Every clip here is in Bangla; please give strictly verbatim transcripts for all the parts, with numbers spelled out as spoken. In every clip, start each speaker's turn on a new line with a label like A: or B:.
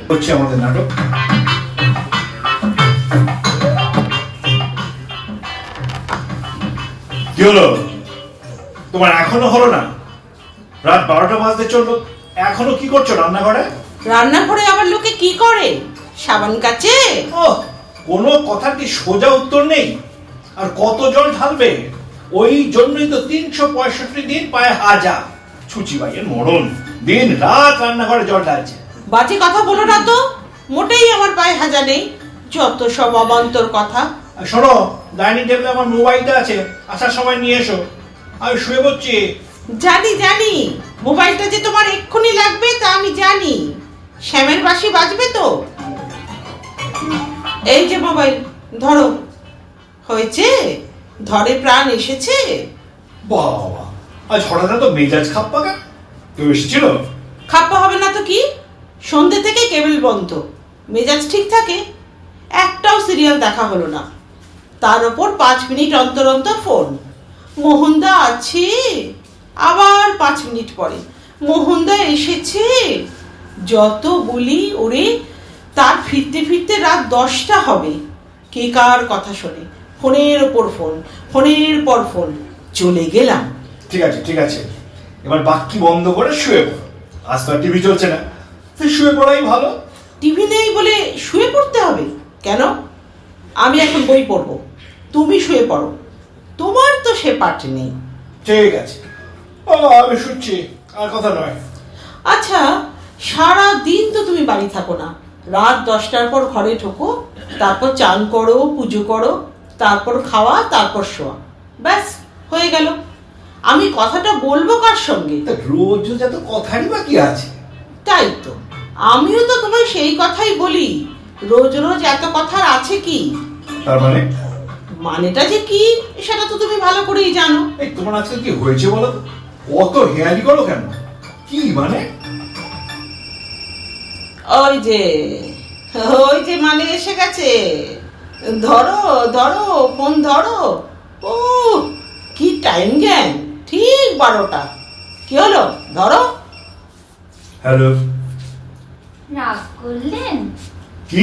A: হচ্ছে আমাদের নাটক। কি হলো তোমার, এখনো হলো না? রাত বারোটা বাজতে চললো, এখনো কি করছো রান্নাঘরে?
B: রান্নাঘরে আবার লোকে কি করে? সাবান কাচে।
A: ও, কোনো কথার কি সোজা উত্তর নেই? আর কত জল ঢালবে? ওই জন্যই তো তিনশো পঁয়ষট্টি দিন পায়ে হাজা। ছুচি ভাইয়ের মরণ, দিন রাত রান্নাঘরে জল ঢালছে।
B: বাজে কথা বলো না তো, মোটেই আমার পায়ে হাজা নেই। যত সব অবান্তর কথা।
A: শোনো, ডাইনিং টেবিলে আমার মোবাইলটা আছে, আসার সময় নিয়ে এসো। আমি শুয়ে পড়ছি।
B: জানি জানি মোবাইলটা যে তোমার এক্ষুনি লাগবে তা আমি জানি। শ্যামের বাঁশি বাজবে তো। এই যে মোবাইল ধরো। হয়েছে, ধরে প্রাণ এসেছে।
A: বাবা, আজ হঠাৎ তো মেজাজ খাপ্পা কেন? কেউ এসেছিল?
B: খাপ্পা হবে না তো কি, সন্ধ্যে থেকে কেবল বন্ধ। মেজাজ ঠিক থাকে? একটাও সিরিয়াল দেখা হলো না। তার উপর পাঁচ মিনিট অন্তর অন্তর ফোন। মোহনদা আছে, আবার পাঁচ মিনিট পরে মোহনদা এসেছে। যত বলি ওরে, তার ফিরতে ফিরতে রাত দশটা হবে। কে কার কথা শোনে? ফোনের ওপর ফোন, ফোনের পর ফোন। চলে গেলাম।
A: ঠিক আছে ঠিক আছে, এবার বাক্কি বন্ধ করে শুয়ে পড়ো। আজ তো আর টিভি চলছে না, তুই শুয়ে পড়াই ভালো।
B: টিভি নেই বলে শুয়ে পড়তে হবে কেন? আমি এখন বই পড়বো, তুমি শুয়ে পড়ো। তোমার তো সে পাঠ নেই।
A: ঠিক আছে, ও আমি শুনছি, আর কথা নয়।
B: আচ্ছা, সারা দিন তো তুমি বাড়ি থাকো না। রাত দশটার পর ঘরে ঢোকো, তারপর চান করো, পুজো করো, তারপর খাওয়া, তারপর শোয়া। ব্যাস হয়ে গেল। আমি কথাটা বলবো কার সঙ্গে?
A: তা রোজ রোজ এত কথারই বা কি আছে?
B: তাই তো, আমিও তো তোমায় সেই কথাই বলি। রোজ রোজ এত কথার আছে কি?
A: তার মানে?
B: মানেটা যে কি সেটা তো তুমি ভালো করেই জানো।
A: এই তোমার আজকে কি হয়েছে বলো তো? অত হেয়ালি করো কেন? কি মানে?
B: ওই যে ওই যে মানে এসে গেছে। ধরো ধরো ফোন ধরো। ও কি টাইম জ্ঞান, ঠিক বারোটা। কি হলো, ধরো।
A: হ্যালো।
C: রাগ করলেন?
A: কি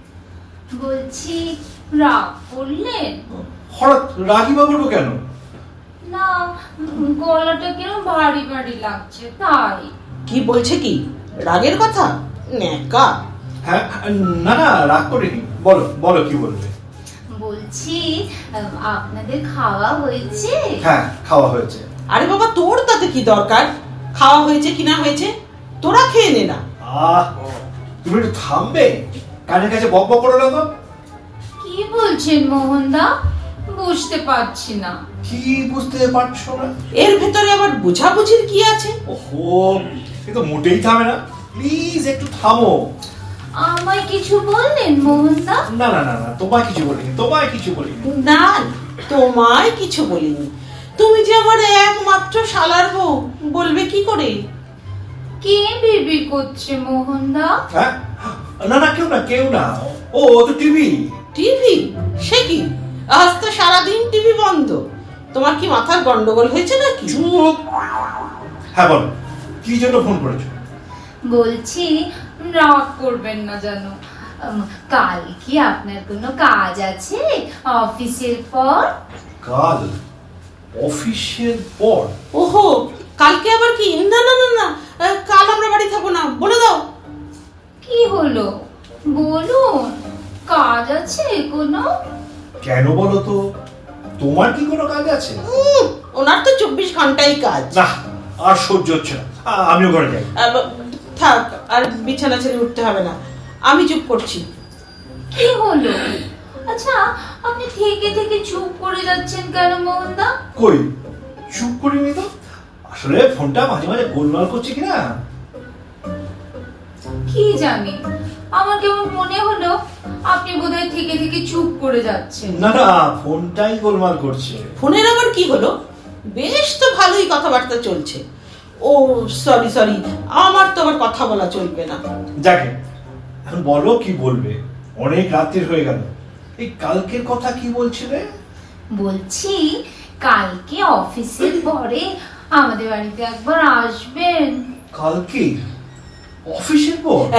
C: বলছি রাগ করলেন?
A: হঠাৎ রাগি বা করবো কেন?
C: না, গলাটা কিরম ভারী ভারী লাগছে তাই।
B: কি বলছে কি? রাগের কথা? নেকা।
A: হ্যাঁ, না না রাগ করিনি, বলো বলো কি বলবে।
C: বলছি আপনাদের খাওয়া হয়েছে?
A: হ্যাঁ, খাওয়া হয়েছে।
B: আরে বাবা, তোর তাতে কি দরকার? খাওয়া হয়েছে কি না হয়েছে তোরা খেয়ে নে না।
A: আহ, তুমি একটু থামবে? কানের কাছে বক বক করো না তো।
C: কি বলছেন মোহনদা? বুঝতে পারছি না।
A: কি বুঝতে পারছো না?
B: এর ভেতরে আবার বুঝাবুঝির কি আছে?
A: ওহো, এ তো মোটেই থামে না। প্লিজ একটু থামো।
C: আমায় কিছু বললেন মোহনদা?
A: না না না না, তোমায় কিছু বলিনি, তোমায় কিছু বলিনি।
B: না, তোমায় কিছু বলিনি। তুমি যে আমার একমাত্র শালার বউ, বলবে কি করে?
C: কে বিবি করছে মোহনদা?
A: হ্যাঁ, না না কেউ না কেউ না। ও ও তো টিভি।
B: টিভি? সে কি, আজ তো সারাদিন টিভি বন্ধ। তোমার কি মাথার গন্ডগোল হয়েছে নাকি?
A: চুপ। হ্যাঁ বলো, কি জন্য ফোন করেছো?
C: বলছি রাগ করবেন না জানো, কাল কি আপনার কোনো কাজ আছে অফিসের পর?
A: কাল অফিসের পর?
B: ওহো, কালকে আবার কি? না না না না, কাল আমরা বাড়ি থাকবো না, বলে দাও।
C: কি হলো বলুন, কাজ আছে কোনো?
A: কেন বলো তো, তোমার কি কোনো কাজ আছে?
B: উম, ওনার তো চব্বিশ ঘন্টাই কাজ।
A: না, আর সহ্য হচ্ছে না, আ- আমিও ঘরে যাই।
B: আহ, থাক, আর বিছানা ছেড়ে উঠতে হবে না, আমি চুপ করছি।
C: কি হলো? আচ্ছা, আপনি থেকে থেকে চুপ করে যাচ্ছেন কেন মোহনদা?
A: কই, চুপ করিনি তো। আসলে ফোনটা মাঝে মাঝে গোলমাল করছে কিনা।
C: কি জানি, আমার কেমন মনে হলো আপনি বোধহয় থেকে থেকে চুপ করে যাচ্ছেন।
A: না না, ফোনটাই গোলমাল করছে।
B: ফোনের আবার কি হলো? বেশ তো ভালোই কথাবার্তা চলছে। ও সরি সরি, আমার তো আবার কথা বলা চলবে না।
A: যাকে এখন বলো কি বলবে, অনেক রাত্রির হয়ে গেল। এই কালকের কথা কি বলছিলে?
C: বলছি কালকে অফিসের পরে আমাদের বাড়িতে একবার আসবেন।
A: কালকে অফিসের পর?
B: এই হ্যাঁ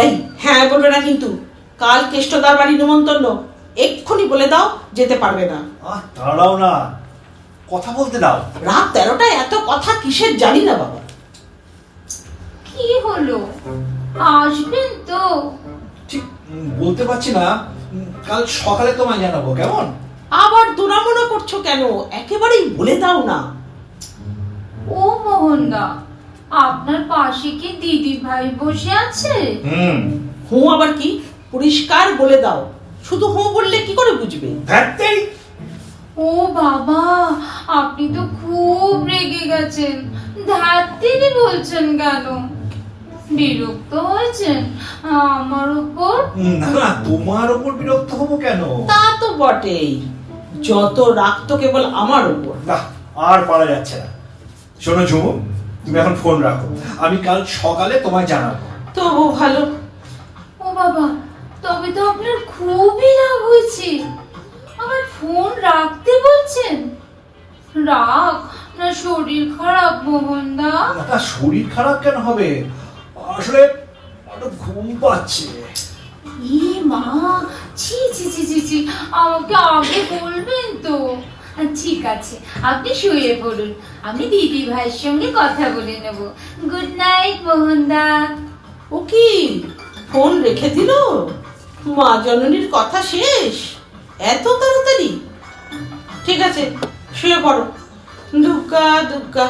B: হ্যাঁ বলবে না কিন্তু, কাল কেষ্টদার বাড়ি নিমন্ত্রণ, এক্ষুনি বলে দাও যেতে পারবে না।
A: আহ দাঁড়াও না, কথা বলতে দাও।
B: রাত তেরোটায় এত কথা কিসের জানি না বাবা।
C: কি হলো, আসবেন তো?
A: ঠিক উম, বলতে পারছি না, উম, কাল সকালে তোমায় জানাবো, কেমন?
B: আবার দুরামনা করছো কেন, একেবারেই বলে দাও না।
C: ও মোহনদা, আপনার পাশে কি দিদি ভাই বসে আছে?
A: হুম।
B: হুঁ আবার কি, পরিষ্কার বলে দাও। শুধু হুঁ বললে কি করে বুঝবে?
A: ধ্যাত্তেরি।
C: ও বাবা, আপনি তো খুব রেগে গেছেন। ধাত্তেরি বলছেন কেন? বিরক্ত হয়েছেন আমার উপর?
A: উম, না না, তোমার ওপর বিরক্ত হবো কেন?
B: তা তো বটেই, যত রাগ তো কেবল আমার উপর।
A: না, আর পারা যাচ্ছে না। শোনো ঝুমু, তুমি এখন ফোন রাখো, আমি কাল সকালে তোমায় জানাবো।
B: তবু ভালো।
C: ও বাবা, তবে তো আপনার খুবই রাগ হয়েছে। আমার ফোন রাখতে বলছেন? রাগ না শরীর খারাপ মোহনদা?
A: না, শরীর খারাপ কেন হবে, আসলে একটু ঘুম পাচ্ছে।
C: ই মা, ছি ছি ছি ছি ছি, আমাকে আগে বলবেন তো। ঠিক আছে, আপনি শুয়ে পড়ুন, আমি দিদি ভাইয়ের সঙ্গে কথা বলে নেব। Good night মোহনদা।
B: ও কি, ফোন রেখে দিল? মা জননীর কথা শেষ এত তাড়াতাড়ি? ঠিক আছে, শুয়ে পড়ো। দুগ্গা দুগ্গা।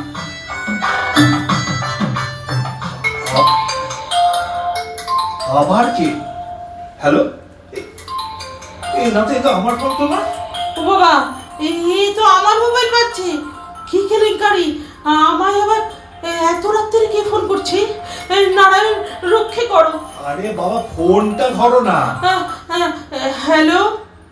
A: আবার কি? হ্যালো, এই না তো, এই তো আমার ফোন তো না।
B: ও বাবা, এই তো আমার মোবাইল বাজছে। কি কেলেঙ্কারি, আমায় আবার এত রাত্রে কে ফোন করছে? নারায়ণ রক্ষে করো।
A: আরে বাবা, ফোনটা ধরো না।
B: হ্যালো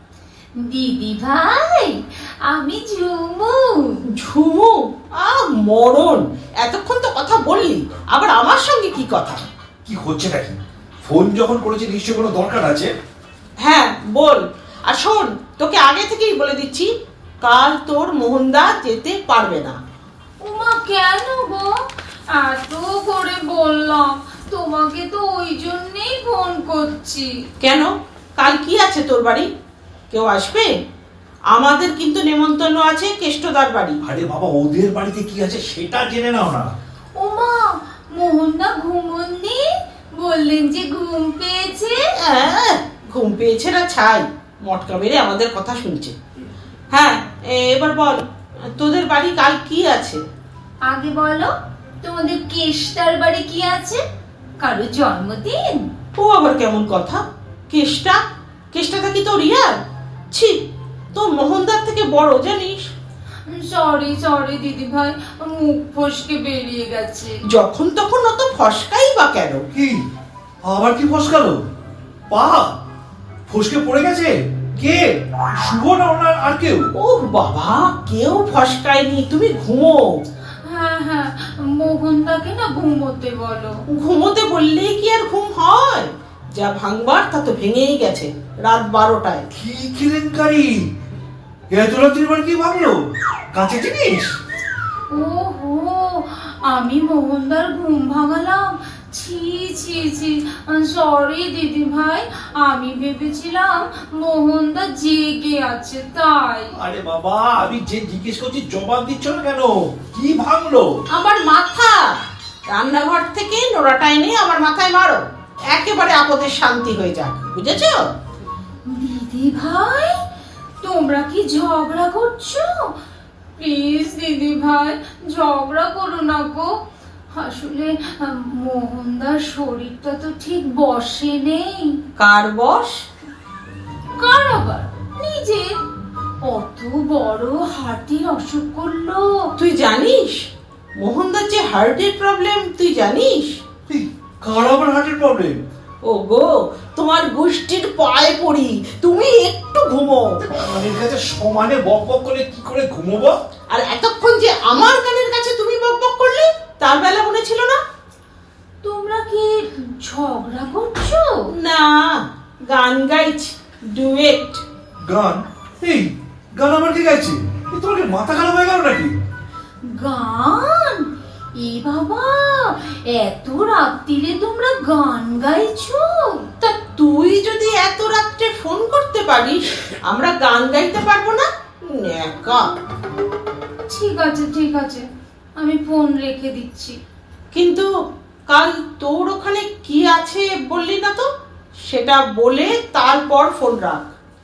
C: দিদি ভাই, আমি ঝুমু।
B: ঝুমু? আ মরণ, এতক্ষণ তো কথা বললি, আবার আমার সঙ্গে কি কথা?
A: কি হচ্ছে নাকি? ফোন যখন করেছে নিশ্চয় কোনো দরকার আছে।
B: হ্যাঁ বল। আর শোন, তোকে আগে থেকেই বলে দিচ্ছি, কাল তোর মোহনদা যেতে পারবে না।
C: উমা, কেন গো? এত করে বললাম তোমাকে, তো ওই জন্যই ফোন করছি।
B: কেন, কাল কি আছে তোর বাড়ি? কেউ আসবে? আমাদের কিন্তু নেমন্তন্ন আছে কেষ্টদার বাড়ি।
A: আরে বাবা, ওদের বাড়িতে কি আছে সেটা জেনে নাও না।
C: ওমা, মোহনদা ঘুমোননি? বললেন যে ঘুম পেয়েছে।
B: হ্যাঁ, ঘুম পেয়েছে না ছাই, মটকা মেরে আমাদের কথা শুনছে। হ্যাঁ, এবার বল, তোদের বাড়ি কাল কি আছে?
C: আগে বলো, তোমাদের কেষ্টার বাড়ি কি আছে? কারো জন্মদিন?
B: ও আবার কেমন কথা? কেষ্টা? কেষ্টাটা কি তোর ইয়ার? ছি, তোর মোহনদার থেকে বড় জানিস।
C: সরি সরি দিদি ভাই, মুখ ফসকে বেরিয়ে গেছে।
B: যখন তখন অত ফসকাই বা কেন?
A: কি আবার কি ফসকালো? পা ফসকে পড়ে গেছে? কে? শুভ না ওনার আর কেউ?
B: ও বাবা, কেউ ফসকায়নি, তুমি ঘুমো।
C: হ্যাঁ হ্যাঁ, মোহনদাকে না ঘুমোতে বলো।
B: ঘুমোতে বললেই কি আর ঘুম হয়? যা ভাঙবার তা তো ভেঙেই গেছে রাত বারোটায়।
A: কি কেলেঙ্কারি! এত রাত্রির বার কি ভাবলো? কাঁচা জিনিস?
C: ওহো, আমি মোহনদার ঘুম ভাঙালাম। ছি ছি ছি, সরি দিদি ভাই, আমি ভেবেছিলাম মোহনদা জেগে আছে তাই।
A: আরে বাবা, আমি যে জিজ্ঞেস করছি জবাব দিচ্ছ না কেন? কি ভাঙলো?
B: আমার মাথা। রান্নাঘর থেকে নোড়াটা এনে আমার মাথায় মারো, একেবারে আপদের শান্তি হয়ে যাক, বুঝেছো?
C: দিদি ভাই, তোমরা কি ঝগড়া করছো? প্লিজ দিদি ভাই, ঝগড়া করো না গো। আসলে মোহনদার শরীরটা তো ঠিক বসে নেই।
B: কার বস?
C: কার আবার? নিজের। অত বড় হার্টের অসুখ করলো।
B: তুই জানিস মোহনদার যে হার্টের প্রবলেম, তুই জানিস?
A: এই, কার আবার হার্টের প্রবলেম?
B: ও গো, তোমার গোষ্ঠীর পায়ে পড়ি, তুমি একটু ঘুমো।
A: কানের কাছে সমানে বক বক করে কি করে ঘুমোবো?
B: আর এতক্ষণ যে আমার কানের কাছে তুমি বক বক করলে, তার বেলা মনে ছিল না?
C: তোমরা কি ঝগড়া করছো?
B: না, গান গাইছি, ডুয়েট।
A: গান? এই গান আবার কে গাইছে? এ তোমার কি মাথা খারাপ হয়ে গেল নাকি?
C: গান? এ এ বাবা, এত রাত্রিরে তোমরা গান গাইছো?
B: তা তুই যদি এত রাত্রে ফোন করতে পারিস, আমরা গান গাইতে পারবো না? ন্যাকা।
C: ঠিক আছে ঠিক আছে, আমি ফোন রেখে দিচ্ছি।
B: কিন্তু কাল তোর ওখানে কি আছে বললি না তো, সেটা বলে তারপর ফোন রাখ।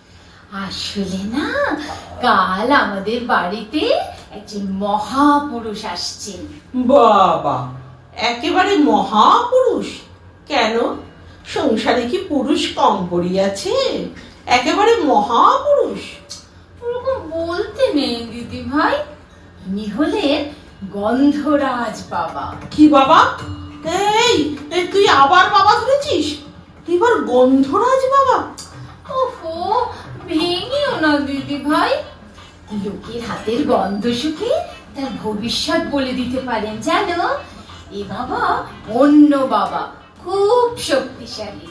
C: আসলে না, কাল আমাদের বাড়িতে একজন মহাপুরুষ আসছেন।
B: বাবা, একেবারে মহাপুরুষ? কেন, সংসারে কি পুরুষ কম পড়িয়াছে? একেবারে মহাপুরুষ?
C: ওরকম বলতে নেই দিদি ভাই, ইনি হলেন গন্ধরাজ বাবা।
B: কি বাবা? এই এই, তুই আবার বাবা ধরেছিস? এবার গন্ধরাজ বাবা?
C: ওহো, ভেঙেও না দিদি ভাই, লোকের হাতের গন্ধ শুকে তার ভবিষ্যৎ বলে দিতে পারেন জানো। এ বাবা অন্য বাবা, খুব শক্তিশালী।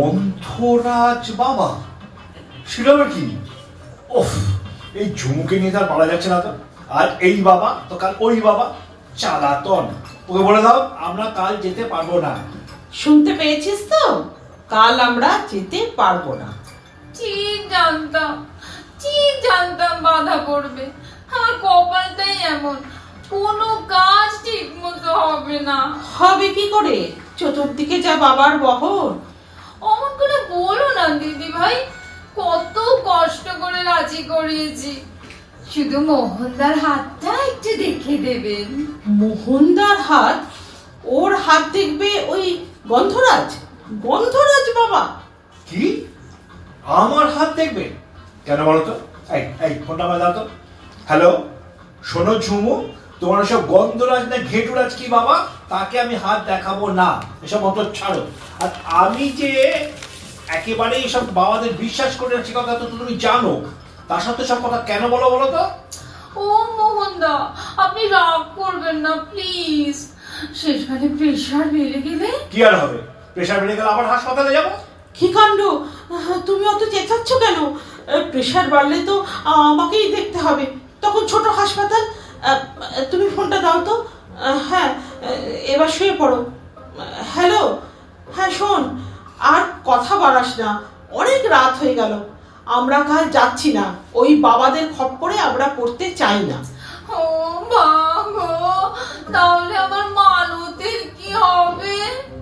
A: গন্ধরাজ বাবা? সেটা আবার কি? ওফ, এই ঝুমুকে নিয়ে তার পারা যাচ্ছে না তো। আর এই বাবা তো কাল ওই বাবা, চালাতন। ওকে বলে দাও আমরা কাল যেতে পারবো না।
B: শুনতে পেয়েছিস তো? কাল আমরা যেতে পারবো না।
C: ঠিক জানতাম, ঠিক জানতাম বাধা পড়বে। আমার কপালটাই এমন, কোনো কাজ ঠিক মতো হবে না।
B: হবে কি করে? চতুর্দিকে যা বাবার বহর।
C: অমন করে বলো না দিদি ভাই, কত কষ্ট করে রাজি করিয়েছি। শুধু মোহনদার হাতটা একটু দেখে দেবেন।
B: মোহনদার হাত? ওর হাত দেখবে ওই গন্ধরাজ? গন্ধরাজ বাবা?
A: কি আমার হাত দেখবে? কেন বলো তো? এই এই ফোনটা আমার দাও তো। হ্যালো, শোনো ঝুমু, তোমার সব গন্ধরাজ না ঘেটুরাজ কি বাবা, তাকে আমি হাত দেখাবো না। এসব মত ছাড়ো। আর আমি যে একেবারে এইসব বাবাদের বিশ্বাস করে আছি, কথা তো তুমি জানো। তার সাথে সব কথা কেন বলো বলো তো?
C: ও মোহনদা, আপনি রাগ করবেন না প্লিজ। শেষকালে প্রেশার বেড়ে গেলে?
A: কি আর হবে? প্রেশার বেড়ে গেলে আবার হাসপাতালে যাবো?
B: কি কাণ্ড! তুমি অত চেঁচাচ্ছ কেন? প্রেশার বাড়লে তো আমাকেই দেখতে হবে, তখন ছোট হাসপাতাল। তুমি ফোনটা দাও তো। হ্যাঁ, এবার শুয়ে পড়ো। হ্যালো, হ্যাঁ শোন, আর কথা বাড়াস না, অনেক রাত হয়ে গেল। আমরা কাল যাচ্ছি না, ওই বাবাদের খপ্পরে আমরা পড়তে চাই না।
C: ও বাবা, তাহলে আমার মানতের কি হবে?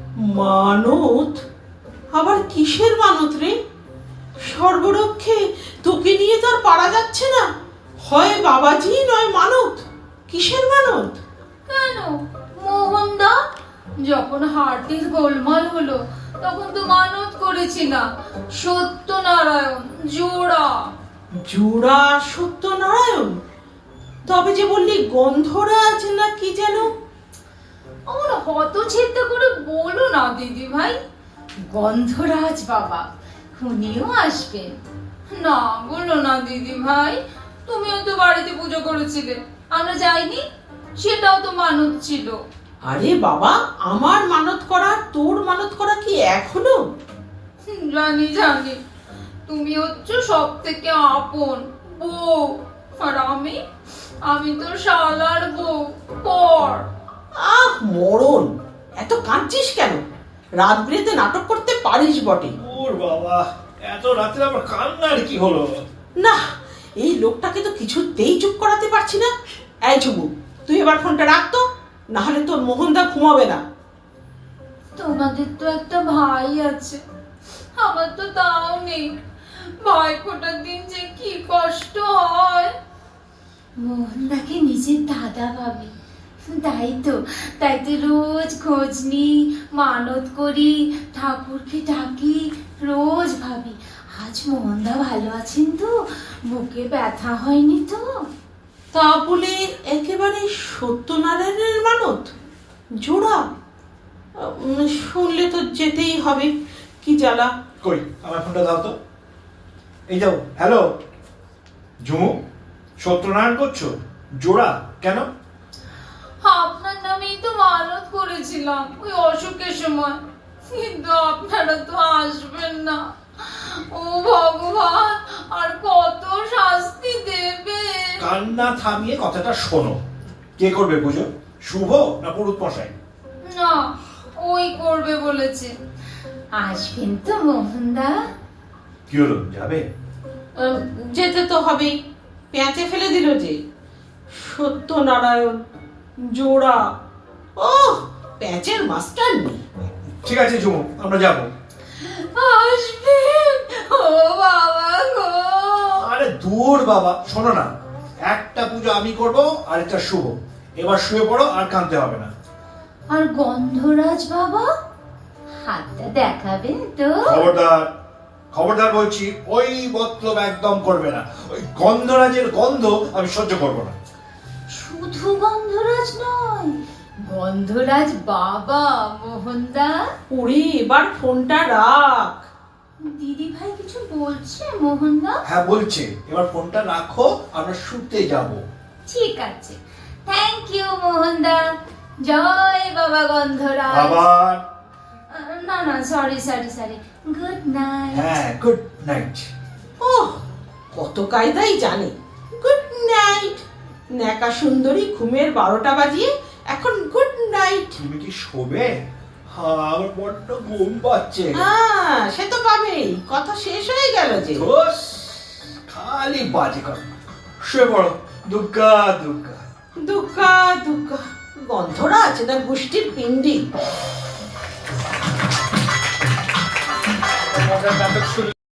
B: মানত? আবার কিসের মানত রে? সর্বরক্ষে তোকে নিয়ে তো আর পারা যাচ্ছে না। হয় বাবাজি নয় মানত। কিসের মানত?
C: কেন মোহনদা, যখন হার্টের গোলমাল হলো তখন তো মানত করেছিলাম সত্যনারায়ণ জোড়া।
B: জোড়া সত্যনারায়ণ? তবে যে বললি গন্ধরাজ না কি যেন?
C: আমার হতছেদ্য করে বলো না দিদি ভাই, গন্ধরাজ বাবা উনিও আসবেন। না বলো না দিদি ভাই, তুমিও তো বাড়িতে পুজো করেছিলে, আমরা যাইনি? সেটাও তো মানত ছিল।
B: আরে বাবা, আমার মানত করা তোর মানত করা কি এক হলো?
C: জানি জানি, তুমি হচ্ছে সব থেকে আপন বউ, আর আমি আমি তো শালার বউ পর।
B: আহ মরণ, এত কাঁদছিস কেন? রাত বিরেতে নাটক করতে পারিস বটে।
A: ওর বাবা, এত রাতে আবার কান্নার কি হলো?
B: না, এই লোকটাকে তো কিছুতেই চুপ করাতে পারছি না। এই ঝুমু, তুই এবার ফোনটা রাখতো, না হলে তোর মোহনদা ঘুমাবে না।
C: তোমাদের তো একটা ভাই আছে, আমার তো তাও নেই। ভাই ফোটার দিন যে কি কষ্ট হয়। মোহনদাকে নিজের দাদা ভাবি, তাই তো তাই তো রোজ খোঁজ নিই, মানত করি, ঠাকুরকে ডাকি, রোজ ভাবি আজ মোহনদা ভালো আছেন তো, বুকে ব্যথা হয়নি তো।
B: তা বলে একেবারে সত্যনারায়ণের মানত জোড়া? উম, শুনলে তো যেতেই হবে, কি জ্বালা।
A: কই আমার ফোনটা দাও তো। এই যাও। হ্যালো ঝুমু, সত্যনারায়ণ করছো? জোড়া কেন?
C: আপনার নামেই তো মানত করেছিলাম ওই অসুখের সময়, কিন্তু আপনারা তো আসবেন না। ও ভগবান, আর কত শাস্তি দেবে?
A: কান্না থামিয়ে কথাটা শোনো। কে করবে পুজো? শুভ না পুরুত মশাই?
C: না, ওই করবে বলেছে। আসবেন তো মোহনদা?
A: কি হলো, যাবে?
B: আহ, যেতে তো হবেই, পেঁচে ফেলে দিল যে। সত্যনারায়ণ জোড়া, ও প্যাচের মাস্টার নেই।
A: ঠিক আছে ঝুমু, আমরা যাবো।
C: আসবেন? ও বাবা গো।
A: আরে দূর বাবা, শোনো না, একটা পুজো আমি করব আর একটা শুভ। এবার শুয়ে পড়ো, আর কাঁদতে হবে না।
C: আর গন্ধরাজ বাবা, হাতটা দেখাবেন তো?
A: খবরদার, খবরদার বলছি, ওই মতলব একদম করবে না। ওই গন্ধরাজের গন্ধ আমি সহ্য করবো না।
C: শুধু গন্ধরাজ নয়, গন্ধরাজ বাবা মোহনদা।
B: ওরে এবার ফোনটা রাখ।
C: দিদি ভাই কিছু বলছে মোহনদা?
A: হ্যাঁ বলছে, এবার ফোনটা রাখো, আমরা শুতে যাব।
C: ঠিক আছে, থ্যাংক ইউ মোহনদা। জয় বাবা গন্ধরাজ।
A: আবার
C: আহ, না না, sorry sorry sorry, good night.
A: হ্যাঁ, গুড নাইট।
B: ও কত কায়দাই জানে। Good night. ন্যাকা সুন্দরী ঘুমের বারোটা বাজিয়ে এখন গুড নাইট।
A: তুমি কি শোবে? হ্যাঁ, আমার বড্ড ঘুম পাচ্ছে।
B: হ্যাঁ সে তো পাবেই, কথা শেষ হয়ে গেল যে।
A: ধুস, খালি বাজে কথা। শুয়ে পড়ো, দুগ্গা দুগ্গা।
B: দুঃখা দুঃখা, গন্ধরাজ না গোষ্ঠীর পিণ্ডি।
A: মজার নাটক শুরু।